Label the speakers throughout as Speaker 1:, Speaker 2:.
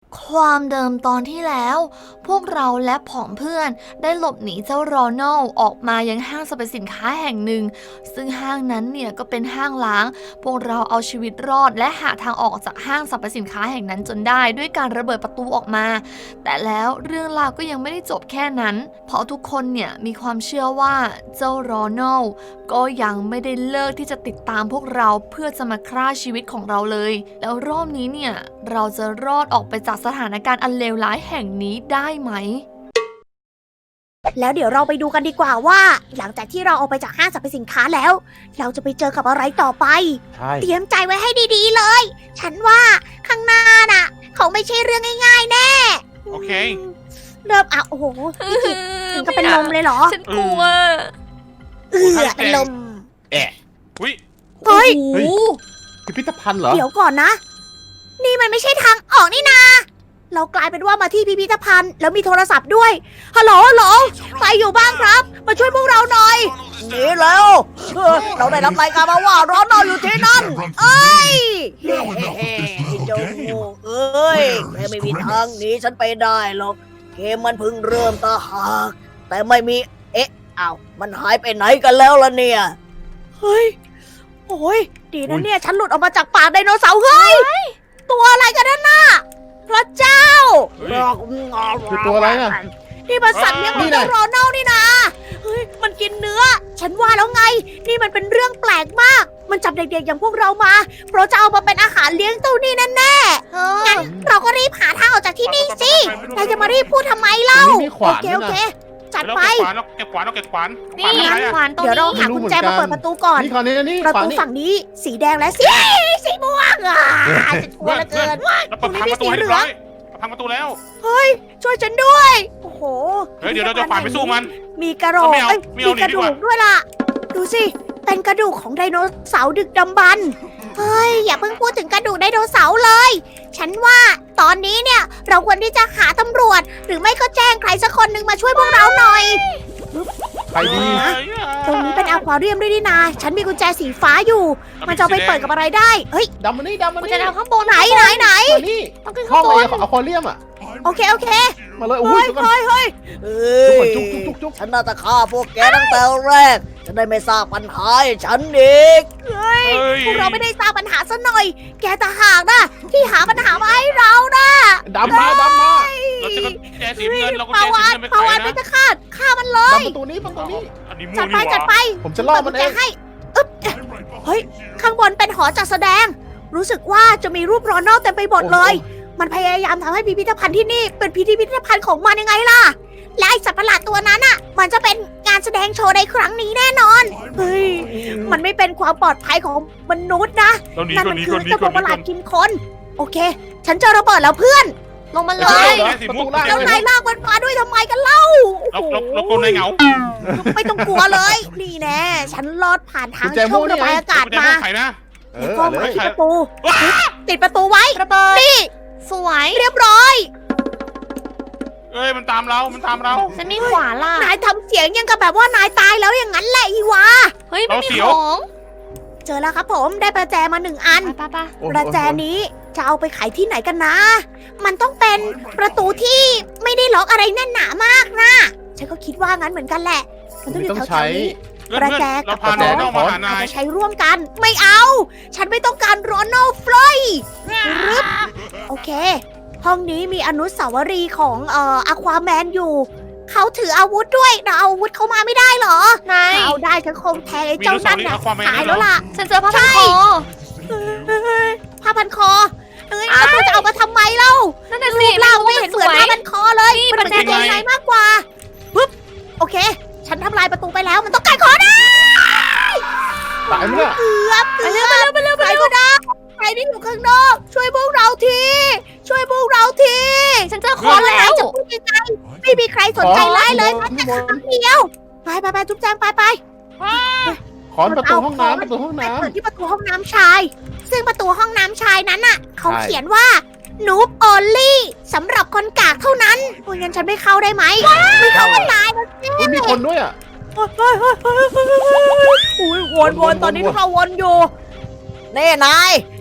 Speaker 1: ความเดิมตอนที่แล้ว พวกเราและผองเพื่อนได้หลบหนีเจ้าโรนัลออกมายังห้างสรรพสินค้าแห่งหนึ่งซึ่งห้างนั้นเนี่ยก็เป็นห้างล้างพวกเราเอาชีวิตรอดและหาทางออกจากห้างสรรพสินค้าแห่งนั้นจนได้ด้วยการระเบิดประตูออกมาแต่แล้วเรื่องราวก็ยังไม่ได้จบแค่นั้นเพราะทุกคนเนี่ยมีความเชื่อว่าเจ้าโรนัลก็ยังไม่ได้เลิกที่จะติดตามพวกเราเพื่อจะมาฆ่าชีวิตของเราเลยแล้วรอบนี้เนี่ยเราจะรอดออกไปจากสถานการณ์อันเลวร้ายแห่งนี้ได้ไหม
Speaker 2: แล้วเดี๋ยวเราไปดูกันดีกว่าว่า หลังจากที่เราออกไปจากห้างสรรพสินค้าแล้ว เราจะไปเจอกับอะไรต่อไป
Speaker 3: ใช่
Speaker 2: เตรียมใจไว้ให้ดีๆเลย ฉันว่าข้างหน้าน่ะเขาไม่ใช่เรื่องง่ายๆแน่
Speaker 4: โอเค
Speaker 2: เริ่มโอ้โหพี่กิตถึงกับเป็นลมเลยเหรอ
Speaker 1: ฉันกลัว
Speaker 2: เป็นลม
Speaker 4: อุ้ย
Speaker 2: เฮ้ย
Speaker 1: โอ้โห
Speaker 3: พิพิธภัณฑ์เหรอ
Speaker 2: เดี๋ยวก่อนนะ นี่มันไม่ใช่ทางออกนี่นา เรากลายเป็นว่ามาที่พิพิธภัณฑ์แล้วมีโทรศัพท์ด้วย ฮัลโหลฮัลโหลใครอยู่บ้างครับ มาช่วยพวกเราหน่อยหนีแล้วเราได้รับรายการมาว่าร้อนนอนอยู่ที่นั่น เอ้ยเฮ้เจ้าโง่เอ้ยแกไม่มีทางหนีฉันไปได้หรอก เกมมันเพิ่งเริ่มตาหากแต่ไม่มี อ้าว มันหายไปไหนกันแล้วล่ะเนี่ย เฮ้ย โอ้ย ดีนะเนี่ย ฉันหลุดออกมาจากปากไดโนเสาร์เฮ้ย ตัวอะไรกันนั่นน่ะ พระเจ้า
Speaker 3: คือตัวอะไรน่ะ
Speaker 2: นี่มันสัตว์เลี้ยงของเจ้าโรนัลนี่นะ เฮ้ย มันกินเนื้อ ฉันว่าแล้วไง นี่มันเป็นเรื่องแปลกมาก มันจับเด็กๆอย่างพวกเรามา เพราะจะเอามาเป็นอาหารเลี้ยงเจ้านี่แน่ๆงั้นเราก็รีบหาทางออกจากที่นี่สินายจะมารีบพูดทำไมเล่า
Speaker 3: ตรงนี้มีขวาน
Speaker 2: โอเค
Speaker 3: ด้วยนะ
Speaker 2: โอเค จัดไป
Speaker 4: แล้วเก็บขวานแล้วเก็บขวาน
Speaker 1: นี่
Speaker 4: ขวาน
Speaker 1: ขวานตรง
Speaker 2: เดี๋ยวเรา
Speaker 1: นี้
Speaker 2: หากุญแจมาเปิดประตูก่อน
Speaker 3: นี่คราวนี้นี่
Speaker 2: ประ
Speaker 3: ขวาน
Speaker 2: ตู
Speaker 3: นี่
Speaker 2: ฝั่งนี้สีแดงและสีม่วงจะกลัวเหลือเกิน
Speaker 4: แล้วเปิดพังประตูให้เรียบร้อยพังประตูแล้ว
Speaker 2: ช่วยฉันด้วย โอ้โห
Speaker 4: เฮ้ยเดี๋ยวเราจะขวานไปสู้มัน
Speaker 2: มีกระโหลก
Speaker 4: ไม่เอา
Speaker 2: เอ้ย
Speaker 4: ไม่เอา
Speaker 2: มีกระ
Speaker 4: ดี
Speaker 2: ดู
Speaker 4: กว่า
Speaker 2: กด้วยล่ะ ดูสิ เป็นกระดูกของไดโนเสาร์ดึกดำบรรพ์เฮ้ย อย่าเพิ่งพูดถึงกระดูกไดโนเสาร์เลย ฉันว่าตอนนี้เนี่ย เราควรที่จะหาตำรวจ หรือไม่ก็แจ้งใครสักคนหนึ่งมาช่วยพวกเราหน่อย
Speaker 3: ใครดี
Speaker 2: ตรงนี้เป็นอควาเรียมด้วยนี่นา ฉันมีกุญแจสีฟ้าอยู่ มันจะเอาไปเปิดกับอะไรได้ เฮ้ย
Speaker 3: ดำมานี่ดำมา
Speaker 1: มัน
Speaker 3: นี่
Speaker 1: จะเอาข้างบน
Speaker 2: ไหน
Speaker 3: มานี่
Speaker 1: ต้องขึ้น
Speaker 3: ห้
Speaker 1: ข้า
Speaker 3: อง
Speaker 1: งบ
Speaker 3: ไอ้
Speaker 1: น
Speaker 3: อควาเรียมอ่ะ
Speaker 2: โอเค โอเค
Speaker 3: มาเลยอุ้ยทุกคน
Speaker 2: เฮ้ย
Speaker 3: จุกก่อนจุก
Speaker 2: ฉันน่าจะฆ่าพวกแกตั้งแต่แรก จะได้ไม่สร้างปัญหาให้ฉันอีก เฮ้ย พวกเราไม่ได้สร้างปัญหาซะหน่อย แกต่างหากนะที่หาปัญหามาให้เรานะ
Speaker 3: ดำมา
Speaker 4: เราจะก็แจสีเงินเราก็
Speaker 2: ปา
Speaker 4: แจสี
Speaker 2: วาน
Speaker 4: เงินไป
Speaker 2: ปา
Speaker 4: ขายว
Speaker 2: าน
Speaker 4: นะ
Speaker 2: ไม่จะฆ่ามันเลย
Speaker 3: ดำประตูนี้ประตูนี้
Speaker 4: อันนี้มั่
Speaker 2: จั
Speaker 4: ว
Speaker 2: ด
Speaker 4: ดี
Speaker 2: ไป
Speaker 4: ก
Speaker 2: จัด
Speaker 4: ว่า
Speaker 2: ไป
Speaker 3: ผมจะล่อมันเอง
Speaker 2: ให้อึ๊บเฮ้ย ข้างบนเป็นหอจัดแสดง รู้สึกว่าจะมีรูปโรนัลเต็มไปหมดเลย มันพยายามทำให้พิพิธภัณฑ์ที่นี่เป็นพิพิธภัณฑ์ของมันยังไงล่ะ และไอสัตว์ประหลาดตัวนั้นอ่ะ มันจะเป็นงานแสดงโชว์ในครั้งนี้แน่นอน เฮ้ย มันไม่เป็นความปลอดภัยของมนุษย์นะ
Speaker 4: เราหนี
Speaker 2: นั่น
Speaker 4: ก่อ
Speaker 2: มัน น
Speaker 4: หนี
Speaker 2: คื
Speaker 4: ก่อ
Speaker 2: อน
Speaker 4: หนี
Speaker 2: เจ้า
Speaker 4: ก่
Speaker 2: ตั
Speaker 4: อ
Speaker 2: วน ประหลาด
Speaker 4: หนี
Speaker 2: กินคน โอเค ฉันเจอระเบิดแล้วเพื่อน
Speaker 1: ลงมาเล
Speaker 3: เฮ้
Speaker 1: ย
Speaker 3: ย ประตูล่าง
Speaker 2: แล้ว
Speaker 3: เลย
Speaker 2: นายลากมันมาด้วยทำไมกันเล่า
Speaker 4: เราโกนในเหงา
Speaker 2: ไม่ต้องกลัวเลย นี่แน่ ฉันลอดผ่านทาง
Speaker 3: กุญแจ
Speaker 2: ช่อง
Speaker 3: ม่วงนี่
Speaker 2: ระบาย
Speaker 3: ไง
Speaker 2: อากาศ
Speaker 4: แต่
Speaker 2: มา
Speaker 4: ไข่นะ
Speaker 3: เอ
Speaker 2: แล้ว
Speaker 3: อ
Speaker 2: ก็
Speaker 3: เล
Speaker 2: มาย ที่ประตู ติดประตูไว้
Speaker 1: ระเบิด
Speaker 2: นี่
Speaker 1: สวย
Speaker 2: เรียบร้อย
Speaker 4: เอ้ยมันตามเรามันตามเรา
Speaker 1: ฉันมีขวานล่ะ
Speaker 2: นายทำเสียงยังกับแบบว่านายตายแล้วอย่างนั้นแหละอีวา
Speaker 1: เฮ้ยไม่มี
Speaker 4: เราเสียว
Speaker 1: ของ
Speaker 2: เจอแล้วครับผมได้ประแจมา1 อัน
Speaker 1: ไป
Speaker 3: โอ้โห
Speaker 2: ประแจนี้จะเอาไปขายที่ไหนกันนะ มันต้องเป็นประตูที่ไม่ได้ล็อกอะไรแน่นหนามากนะ ฉันก็คิดว่างั้นเหมือนกันแหละ มันต้องอยู่
Speaker 3: ต้อง
Speaker 2: แถ
Speaker 3: ใช้
Speaker 2: วๆนี้
Speaker 4: เพื่อน
Speaker 2: ประแจ
Speaker 4: เราพาน้องมาหา
Speaker 2: อาจ
Speaker 4: นาย
Speaker 2: จะใช้ร่วมกัน ไม่เอา ฉันไม่ต้องการโรนัลฟลอยรึบโอเค ห้องนี้มีอนุสาวรีย์ของอควาแมนอยู่ เขาถืออาวุธด้วยเราเอาอาวุธเข้ามาไม่ได้เหรอ
Speaker 1: นาย
Speaker 2: ถ้าเอาได้ฉันคงแทงไอ้
Speaker 4: มี
Speaker 2: เจ้า
Speaker 4: ลูกสา
Speaker 2: นั่
Speaker 4: วน ลี
Speaker 2: น่ะ
Speaker 4: เอาความแมน
Speaker 2: ตาย
Speaker 4: ด้วย
Speaker 2: แล้วล่ะ
Speaker 1: ฉันเจอผ้าพันคอ
Speaker 2: ผ้าพันคอเอ้ยแล้วเธอจะเอามาทำไมเล่า
Speaker 1: นั่นน่ะสิ
Speaker 2: เรา
Speaker 1: ไม่
Speaker 2: ไม่
Speaker 1: รู้
Speaker 2: เห็นเหมือนผ้าพันคอเลย
Speaker 1: นี่
Speaker 2: มันเป็น
Speaker 1: ประแจ
Speaker 2: ยังไงมากกว่าปึ๊บโอเค ฉันทำลายประตูไปแล้วมันต้องการคอนะ
Speaker 3: ตายไหมเนี่ย
Speaker 2: เกือบไปเร็วใครก็ได้ใครที่อยู่ข้างนอก ช่วยพวกเราทีช่วยพวกเราที
Speaker 1: ฉันเจอคอนแล้ว
Speaker 2: จะพูดยังไงไม่มีใครสนใจไล่เลยแม้แต่ครั้งเดียวไปจุ๊บแจงไป
Speaker 3: ขอนประตูห้องน้ำประตูห้อง
Speaker 2: ไป
Speaker 3: น้
Speaker 2: เปิดที่ประตูห้องน้ำชาย ซึ่งประตูห้องน้ำชายนั้นน่ะ เขา
Speaker 3: ใช่
Speaker 2: เขียนว่านูบออลลี่สำหรับคนกากเท่านั้นโอ้ยงั้นฉันไม่เข้าได้ไหมไม่เข้าก็ตายนะ
Speaker 3: ำอุ๊ยมีคนด้วยอ่ะ
Speaker 2: อุ้ยวนตอนนี้พวกเราวนอยู่เน่นาย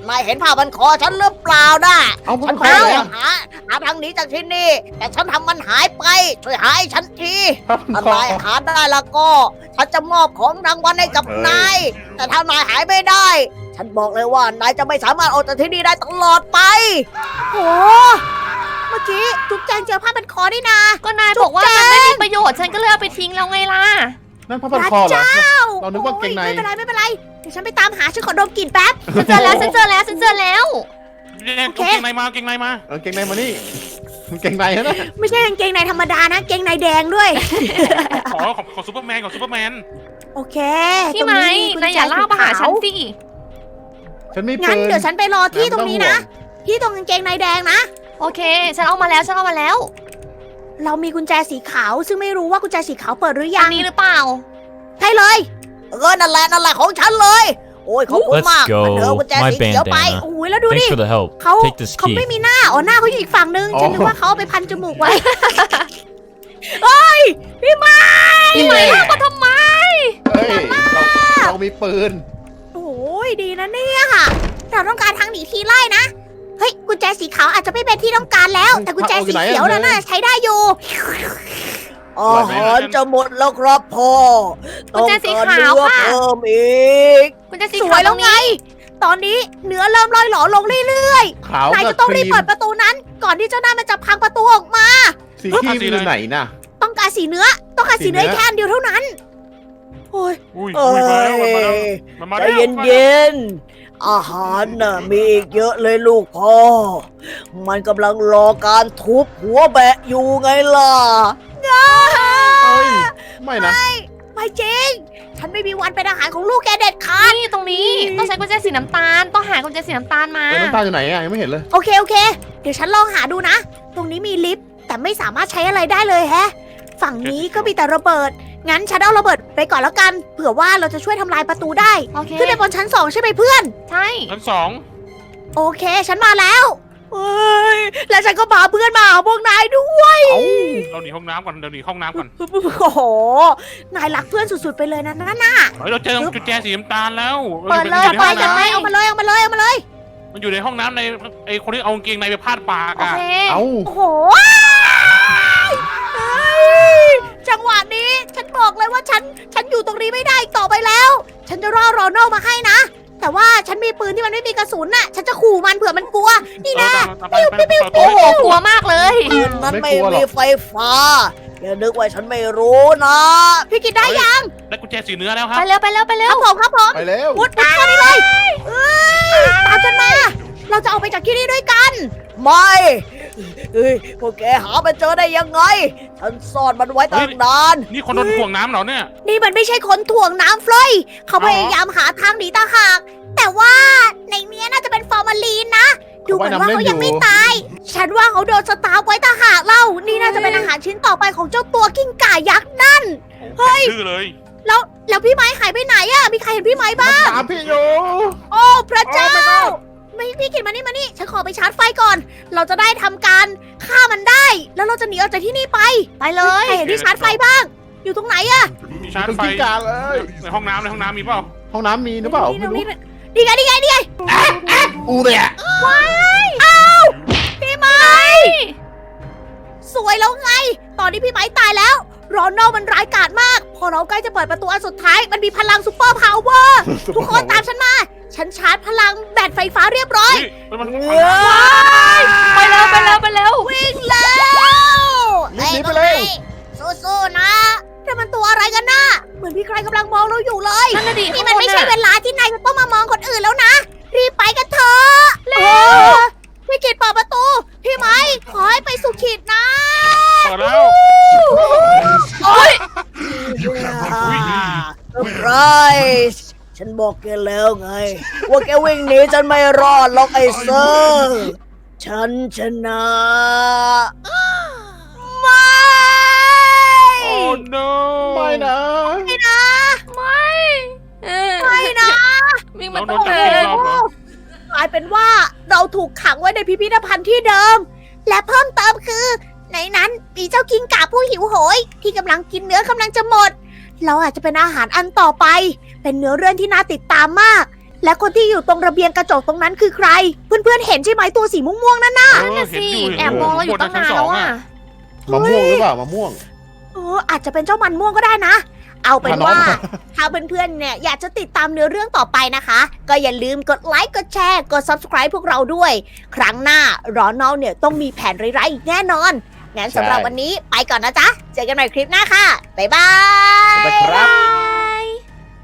Speaker 2: นายเห็นผ้าพันคอฉันหรือเปล่านะ
Speaker 3: เอาพว
Speaker 2: ฉั
Speaker 3: ก
Speaker 2: น
Speaker 3: เขา
Speaker 2: พยา
Speaker 3: เลย
Speaker 2: ยามหาทางหนีจากที่นี่ แต่ฉันทำมันหายไป ช่วยหาให้ฉันที
Speaker 3: ครับ
Speaker 2: ถ้า
Speaker 3: คอน
Speaker 2: ายหาได้แล้วก็ ฉันจะมอบของรางวัลให้กับนาย แต่ถ้านายหายไม่ได้ ฉันบอกเลยว่านายจะไม่สามารถออกจากที่นี่ได้ตลอดไปโอ้เมื่อกี้จุ๊บแจงเจอผ้าพันคอนี่นา
Speaker 1: ก็นายบอกว่ามันไม่มีประโยชน์ฉันก็เลยเอาไปทิ้งแล้วไงล่ะ
Speaker 3: นั่นผ้าพันคอเหรอเรานึกว่าเกงใน
Speaker 2: ไม่เป็นไรไม่เป็นไรเดี๋ยวฉันไปตามหาฉันขอดมกลิ่นแป๊บ
Speaker 1: ฉันเจอแล้วฉันเจอแล้วฉันเจอแล้ว
Speaker 4: เนี่ย
Speaker 2: โอเค
Speaker 4: เก่งในมาเก่งในมา
Speaker 3: เกงในมานี่เกงในนะ
Speaker 2: ไม่ใช่กางเกงในธรรมดานะเกงในแดงด้วย
Speaker 4: ขอซูเปอร์แมนขอซูเปอร์แมน
Speaker 2: โอเค
Speaker 1: พี่ไหม
Speaker 2: ตรง
Speaker 1: นายอย่าเล่ามาหาฉันสิ
Speaker 3: ฉันมีปื
Speaker 2: งั้น
Speaker 3: น
Speaker 2: เดี๋ยวฉันไปรอที่ตรงนี้นะ ที่ตรงกางเกงในแดงนะ
Speaker 1: โอเค ฉันเอามาแล้วฉันเอามาแล้ว
Speaker 2: เรามีกุญแจสีขาว ซึ่งไม่รู้ว่ากุญแจสีขาวเปิดหรือ
Speaker 1: อั
Speaker 2: ยั
Speaker 1: น
Speaker 2: ง
Speaker 1: นี้หรือเปล่า
Speaker 2: ใช่เลยนั่นแหละของฉันเลย โอ้ยขอบคุณ
Speaker 5: Let's
Speaker 2: มาก
Speaker 5: go
Speaker 2: มันเถอะกุญแจ
Speaker 5: My
Speaker 2: สีเขียวไป
Speaker 5: bandana
Speaker 2: โอ้ยแล้วดูดิ
Speaker 5: Thanks for the help.
Speaker 2: เขา
Speaker 5: Take this
Speaker 2: เขา
Speaker 5: key.
Speaker 2: ไม่มีหน้าหน้าเขาอยู่อีกฝั่งนึง
Speaker 3: อ๋อ
Speaker 2: ฉันนึกว่าเขาเอาไปพันจมูกไว้ เฮ้ยพี่ไม้
Speaker 1: พี่ไหมเล่ามาทำไม
Speaker 3: เฮ้ยเรามีปืน
Speaker 2: โอ้ยดีนะเนี่ยค่ะ เราต้องการทางหนีทีไล่นะ เฮ้ยกุญแจสีขาวอาจจะไม่เป็นที่ต้องการแล้ว แต่กุญแจสีเขียวน่ะใช้ได้อยู่อาหารจะหมดแล้วครับพ่อ
Speaker 1: กุญแจสีขาวค่ะ
Speaker 2: เพิ่มอีก
Speaker 1: คุณจะสี
Speaker 2: สว
Speaker 1: ขาวย ต
Speaker 2: แล้
Speaker 1: ร
Speaker 2: ว
Speaker 1: ง
Speaker 2: ไง
Speaker 1: นี้
Speaker 2: ตอนนี้เนื้อเริ่มลอยหลอลงเรื่อย
Speaker 3: ขาว
Speaker 2: ๆนาย
Speaker 3: กั
Speaker 2: จะ
Speaker 3: บ
Speaker 2: ต้อง
Speaker 3: ค
Speaker 2: รี
Speaker 3: รี
Speaker 2: บ
Speaker 3: ม
Speaker 2: เปิดประตูนั้น ก่อนที่เจ้าหน้ามันจะพังประตูออกมา
Speaker 3: สีครีมอยู่ไหนน่ะ
Speaker 2: ต้องการสีเนื้อ ต้องการสีเนื้อ
Speaker 3: สีเนื้อ
Speaker 2: แค่อันเดียวเท่านั้น โอ้ย
Speaker 4: อุ้ยอุ้ยมาแล้วมันมา
Speaker 2: ใจ
Speaker 4: แล้ว
Speaker 2: เย็นๆ อาหารน่ะมีอีกเยอะเลยลูกพ่อ มันกำลังรอการทุบหัวแบะอยู่ไงล่ะ
Speaker 3: เอ้ยไม่นะ
Speaker 2: ไม่จริง ฉันไม่มีวันเป็นอาหารของลูกแกเด็ดขาด
Speaker 1: นี่ตรงนี้ต้องใช้กุญแจสีน้ำตาล ต้องหากุญแจสีน้ำตาลมา
Speaker 3: น้ำตาลอยู่ไหนอ่ะยังไม่เห็นเลย
Speaker 2: โอเค เดี๋ยวฉันลองหาดูนะ ตรงนี้มีลิฟต์แต่ไม่สามารถใช้อะไรได้เลยแฮะ ฝั่งนี้ก็มีแต่ระเบิด งั้นฉันเอาระเบิดไปก่อนแล้วกัน เผื่อว่าเราจะช่วยทำลายประตูได้
Speaker 1: โอเค
Speaker 2: ขึ้นไปบนชั้น 2 ใช่ไหมเพื่อน
Speaker 1: ใช่
Speaker 4: ชั้นสอง
Speaker 2: โอเค ฉันมาแล้วเฮ้ย แล้วฉันก็พาเพื่อนมาหาพวกนายด้วย
Speaker 3: เอ้า
Speaker 4: เราหนีห้องน้ำก่อนเดี๋ยวหนีห้องน้ำก่อน
Speaker 2: โอ้โห นายรักเพื่อนสุดๆไปเลยนะนั่นน่ะ
Speaker 4: เฮ้ยเราเจอกุญแจสีน้ำตาลแล้ว
Speaker 1: เปิดเลย
Speaker 4: มันอยู่
Speaker 1: ไป
Speaker 4: ใน
Speaker 1: กั
Speaker 4: ห้
Speaker 1: น
Speaker 4: อง
Speaker 1: ไหม
Speaker 4: น้
Speaker 2: เอามาเลยเอามาเลยเอามาเลย
Speaker 4: ำมันอยู่ในห้องน้ำในไอคนที่เอากางเกงในไปพาดปาก
Speaker 1: โอ
Speaker 4: อ่ะ
Speaker 1: เค
Speaker 3: เอ้า
Speaker 2: โอ้โหเฮ้ยจังหวะนี้ฉันบอกเลยว่าฉันอยู่ตรงนี้ไม่ได้อีกต่อไปแล้ว ฉันจะรอโรนัลมาให้นะ แต่ว่าฉันมีปืนที่มันไม่มีกระสุนน่ะ ฉันจะขู่มันเผื่อมันกลัว นี่นะ
Speaker 4: ปิ้วปิ้วปิ้ว
Speaker 1: โอ้โหกลัวมากเลย
Speaker 2: ปืนนั้น
Speaker 3: ไม่
Speaker 2: ไม่
Speaker 3: กลัวหรอก
Speaker 2: มีไฟฟ้า อย่านึกว่าฉันไม่รู้นะ พี่กินได้ยัง
Speaker 4: ได้กุญแจสีเนื้อแล้วครั
Speaker 1: ไป
Speaker 4: บ
Speaker 1: เร็วไปเร็วไปเร็
Speaker 2: คว รับผมครับผม
Speaker 3: ไปแล้ว
Speaker 2: มุดเข้านี่เลยเอ้ยตามฉันมา เราจะออกไปจากที่นี่ด้วยกัน ไม่เฮ้ยพวกแกหามันเจอได้ยังไง ฉันซ่อนมันไว้ตั้งนาน
Speaker 4: นี่คนโดนถ่วงน้ำเหรอเนี่ย
Speaker 2: นี่มันไม่ใช่คนถ่วงน้ำเฟลอยเขา
Speaker 4: อ๋อ
Speaker 2: พยายามหาทางหนีต่างหาก แต่ว่าในเนี้ยน่าจะเป็นฟอร์มาลีนนะ ดูเหมือนว่าเขายังไม่ตาย ฉันว่าเขาโดนสตาร์ฟไว้ต่างหากเล่า นี่น่าจะเป็นอาหารชิ้นต่อไปของเจ้าตัวกิ้งก่ายักษ์นั่น
Speaker 4: เฮ้ยชื่อเลย
Speaker 2: แล้วพี่ไม้หายไปไหนอะมีใครเห็นพี่ไม้บ้าง
Speaker 3: ตามพี่อยู่
Speaker 2: โอ้พระเจ้า ไม่พี่กินมานี่ ฉันขอไปชาร์จไฟก่อน เราจะได้ทำการฆ่ามันได้ แล้วเราจะหนีออกจากที่นี่ไป
Speaker 1: ไปเลย
Speaker 2: ใครเห็นที่ชาร์จไฟบ้าง อยู่ตรงไหนอะ
Speaker 4: มีชาร์จ
Speaker 3: เป็น
Speaker 4: ไฟ
Speaker 3: กิ้งก่าเลย
Speaker 4: ในห้องน้ำมีเปล่า
Speaker 3: ห้องน้ำมีหรือเปล่าไม่รู้
Speaker 2: นี่ไง
Speaker 3: อูเนี่ย
Speaker 2: พี่ไม้สวยแล้วไง ตอนนี้พี่ไม้ตายแล้วโรนัลมันร้ายกาจมาก พอเราใกล้จะเปิดประตูอันสุดท้าย มันมีพลังซูเปอร์พาวเวอร์ ทุกคนตามฉันมา ฉันชาร์จพลังแบตไฟฟ้าเรียบร้อย
Speaker 4: เฮ้ยมัน
Speaker 1: ไปเร็วไปเร็วไปเร็ว
Speaker 2: วิ่งแล้ว
Speaker 3: หนีไปเลย
Speaker 2: สู้ๆนะแต่มันตัวอะไรกันน่ะ เหมือนมีใครกำลังมองเราอยู่เลย
Speaker 1: นั่นน่ะดิ
Speaker 2: นี่มันไม่ใช่
Speaker 1: ข้างบ
Speaker 2: เว
Speaker 1: อะ
Speaker 2: ลาที่นายจะต้องมามองคนอื่นแล้วนะ รีบไปกันเถอะ
Speaker 1: เร็ว
Speaker 2: พี่กิดเปิดประตู พี่ไม้ขอให้ไปสู่ขีดนะ
Speaker 4: เปิดแล้ว
Speaker 1: โอ้ย
Speaker 2: ไรฉันบอกแกแล้วไง ว่าแกวิ่งหนีฉันไม่รอดหรอกไอ้เซอร์ฉันชนะไม่
Speaker 4: โอ้ no
Speaker 3: ไม่นะ
Speaker 2: ไม่นะ
Speaker 1: ไม่เออ
Speaker 2: ไม่นะ
Speaker 1: วิ่งมา
Speaker 4: เราโด
Speaker 1: ตั้
Speaker 4: น
Speaker 1: ง
Speaker 4: จับ
Speaker 1: นา
Speaker 4: กี่
Speaker 1: น
Speaker 4: รอบเหรอ
Speaker 2: กลายเป็นว่าเราถูกขังไว้ในพิพิธภัณฑ์ที่เดิม และเพิ่มเติมคือ ในนั้นมีเจ้ากิ้งก่าผู้หิวโหย ที่กำลังกินเนื้อกำลังจะหมด เราอาจจะเป็นอาหารอันต่อไป เป็นเนื้อเรื่องที่น่าติดตามมากและคนที่อยู่ตรงระเบียงกระจกตรงนั้นคือใคร เพื่อนๆเห็นใช่ไหมตัวสีม่วงๆนั่นน่ะ
Speaker 1: นั่นน่ะสิแอบมองเราอยู่ตั้งนานแล้วอ่ะ
Speaker 3: มะม่วงหรือเปล่ามะม่วง
Speaker 2: อาจจะเป็นเจ้ามันม่วงก็ได้นะ เอาเป็นว่า
Speaker 3: พาน้อง
Speaker 2: ถ้าเพื่อนๆเนี่ยอยากจะติดตามเนื้อเรื่องต่อไปนะคะ ก็อย่าลืมกดไลค์กดแชร์กด subscribe พวกเราด้วย ครั้งหน้ารอนอลเนี่ยต้องมีแผนร้ายๆอีกแน่นอน งั้นสำหรับวันนี้ไปก่อนนะจ๊ะ เจอกันใหม่คลิปหน้าค่ะ บ๊ายบาย
Speaker 3: นะครับ